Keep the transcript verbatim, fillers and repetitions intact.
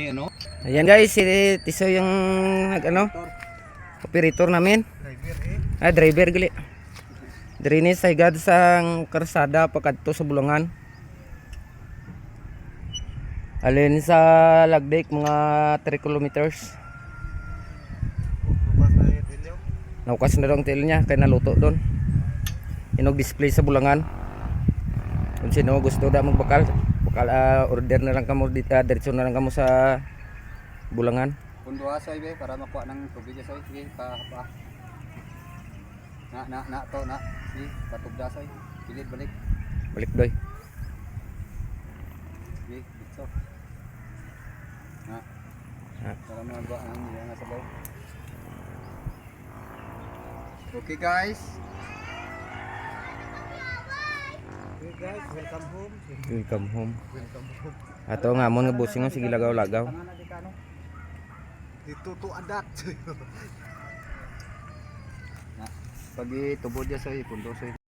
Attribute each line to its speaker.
Speaker 1: may ano?
Speaker 2: Ayan guys, si Tiso yung nag ano, operator namin.
Speaker 1: Driver eh.
Speaker 2: Ah, driver gali. Diri ni sa higad sang karsada pagkadto sa Bulangan. Alin sa Lagdek mga three kilometers.
Speaker 1: Bukas na yung tilyo.
Speaker 2: Naukas na daw ang tail niya kaya naluto doon. Inog display sa Bulangan. Kung sino gusto da magbakal, bakal uh, order na lang kamo dito, uh, diretso na lang kamo sa Bulangan.
Speaker 3: Pundo asay be para makuha ng tubig asay sige pa pa. Na na na to na si patugda asay. Pilit balik.
Speaker 2: Balik doy.
Speaker 3: Sige dito. Na.
Speaker 2: Ha.
Speaker 3: Para magawa ang mga sabaw. Okay guys.
Speaker 1: Okay guys, welcome home.
Speaker 2: Welcome home.
Speaker 1: Welcome home.
Speaker 2: Ato nga mo nga busing nga sige lagaw-lagaw.
Speaker 3: Tangan na di ka no.
Speaker 1: Dito to adat.
Speaker 3: Na pag itubod ya sa pundo sa